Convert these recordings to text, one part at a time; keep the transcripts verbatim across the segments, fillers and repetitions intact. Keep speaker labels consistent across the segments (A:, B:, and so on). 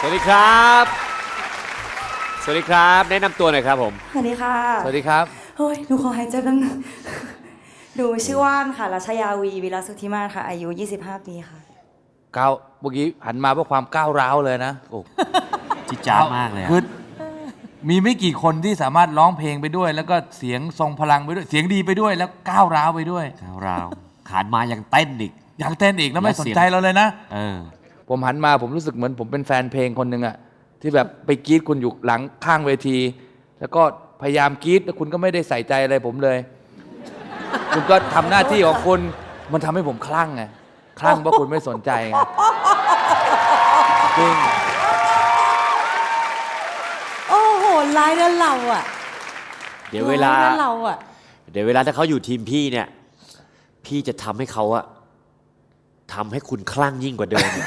A: วัสดีครับสวัสดีครับแนะนำตัวหน่อยครับผม
B: สวัสดีค่ะ
C: สวัสดีครับ
B: เฮ้ยหนูขอหายใจแป๊บนึงหนูชื่อว่านค่ะรัชยาวีวิลาสุทธิมาศค่ะอายุยี่สิบห้าปีค่ะ
C: ก้าวเมื่อกี้หันมาเพื่อความก้าวร้าวเลยนะโอ้
A: จิจ้ามากเลย
C: คือมีไม่กี่คนที่สามารถร้องเพลงไปด้วย แล้วก็เสียงทรงพลังไปด้วยเสียงดีไปด้วยแล้วก้าวร้าวไปด้วย
A: ก้าวร้าวขานมายังเต้นอีก
C: อยากเต้นอีกแล้วไม่สนใจเราเลยนะ
A: เออ
C: ผมหันมาผมรู้สึกเหมือนผมเป็นแฟนเพลงคนหนึ่งอะที่แบบไปกรี๊ดคุณอยู่หลังข้างเวที แล้วก็พยายามกรี๊ดแล้วคุณก็ไม่ได้ใส่ใจอะไรผมเลย คุณก็ทำหน้าที่ของคุณมันทำให้ผมคลั่งไงคลั่งเพราะคุณไม่สนใจไงจริง
B: โอ้โหร้ายแล้วเราอ่ะ
A: เดี๋ยวเวลา
B: เราอ่ะ
A: เดี๋ยวเวลาถ้าเขาอยู่ทีมพี่เนี่ยพี่จะทำให้เขาอะทำให้คุณคลั่งยิ่งกว่าเดิม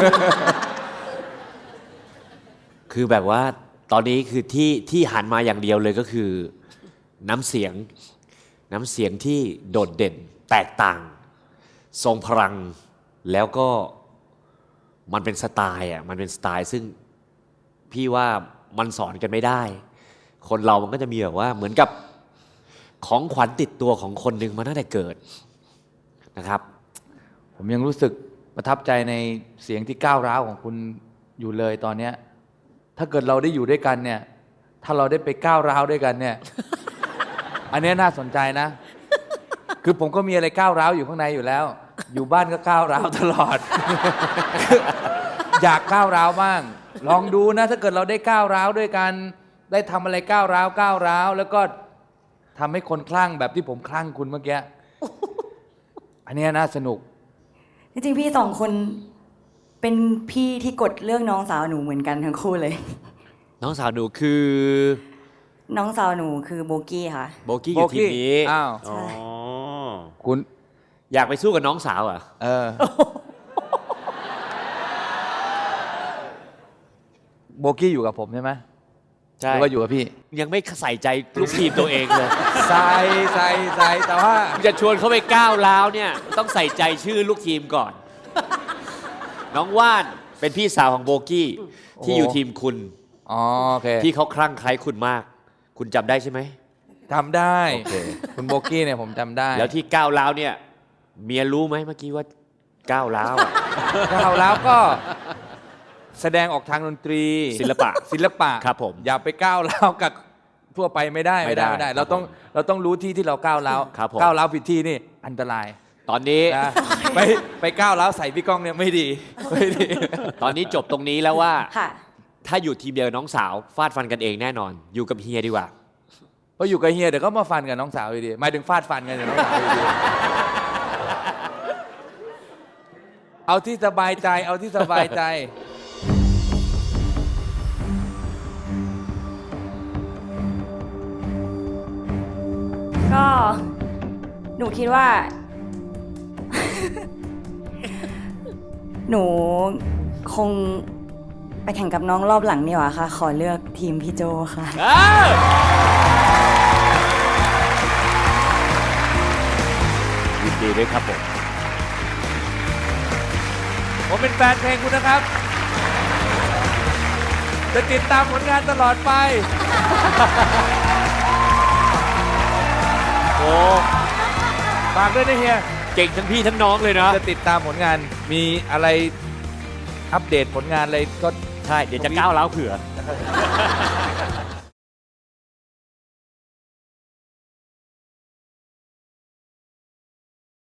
A: คือแบบว่าตอนนี้คือที่ที่หันมาอย่างเดียวเลยก็คือน้ำเสียงน้ำเสียงที่โดดเด่นแตกต่างทรงพลังแล้วก็มันเป็นสไตล์อ่ะมันเป็นสไตล์ซึ่งพี่ว่ามันสอนกันไม่ได้คนเรามันก็จะมีแบบว่าเหมือนกับของขวัญติดตัวของคนหนึ่งมาตั้งแต่เกิดนะครับ
C: ผมยังรู้สึกประทับใจในเสียงที่ก้าวร้าวของคุณอยู่เลยตอนเนี้ยถ้าเกิดเราได้อยู่ด้วยกันเนี่ยถ้าเราได้ไปก้าวร้าวด้วยกันเนี่ย อันนี้น่าสนใจนะ คือผมก็มีอะไรก้าวร้าวอยู่ข้างในอยู่แล้ว อยู่บ้านก็ก้าวร้าวตลอด อยากก้าวร้าวบ้างลองดูนะถ้าเกิดเราได้ก้าวร้าวด้วยกันได้ทำอะไรก้าวร้าวก้าวร้าวแล้วก็ทำให้คนคลั่งแบบที่ผมคลั่งคุณเมื่อกี้ อันนี้น่าสนุก
B: จริงๆพี่สองคนเป็นพี่ที่กดเรื่องน้องสาวหนูเหมือนกันทั้งคู่เลย
A: น้องสาวหนูคือ
B: น้องสาวหนูคือโบกี้ค่ะ
A: โบกี้อยู่ทีมนี้
C: อ้าว
A: อ๋อ
C: คุณ
A: อยากไปสู้กับน้องสาวอ่ะ
C: เออโบกี้อยู่กับผมใช่ไหมใช่หรือว่าอยู่กับพี่
A: ยังไม่ใส่ใจลูกทีมตัวเองเลย
C: ใส่ใส่ใส่แต่ว่า
A: จะชวนเขาไปก้าวร้าวเนี่ยต้องใส่ใจชื่อลูกทีมก่อนน้องว่านเป็นพี่สาวของโบกี้ที่อยู่ทีมคุณ
C: อ๋อโอเค
A: ที่เขาคลั่งไคล้คุณมากคุณจำได้ใช่ไหม
C: จำได้โอเคคุณโบกี้เนี่ยผมจำได้
A: แล้วที่ก้าวร้าวเนี่ยเมียรู้ไหมเมื่อกี้ว่าก้าวร้าว
C: ก้าวร้าวก็แสดงออกทางดนตรี
A: ศิลปะ
C: ศิลปะ
A: ครับผม
C: อย่าไปก้าวร้าวกับทั่วไปไม่ได้ไม่ได้ไม่ได้เราต้องเราต้องรู้ที่ที่เราก้าวร้าวก้าวร้าวผิดที่นี่อันตราย
A: ตอนนี้
C: ไปไปก้าวร้าวใส่พี่ก้องเนี่ยไม่ดีไม่ดี
A: ตอนนี้จบตรงนี้แล้วว่าถ้าอยู่ทีมเดียวน้องสาวฟาดฟันกันเองแน่นอนอยู่กับเฮียดีกว่า
C: เพราะอยู่กับเฮียเดี๋ยวก็มาฟันกับน้องสาวดีหมายถึงฟาดฟันกันกับน้องสาวดีเอาที่สบายใจเอาที่สบายใจ
B: ก็หนูคิดว่า หนูคงไปแข่งกับน้องรอบหลังนี่หว่าค่ะขอเลือกทีมพี่โจค่ะ
A: ยินดีด้วยครับผม
C: ผมเป็นแฟนเพลงคุณนะครับจะติดตามผลงานตลอดไป
A: โอ้
C: ฝากด้วยนะเฮีย
A: เก่งทั้งพี่ทั้งน้องเลยนะ
C: จะติดตามผลงานมีอะไรอัปเดตผลงานอะไรก็
A: ใช่เดี๋ยวจะก้าวเล้าเผื่อ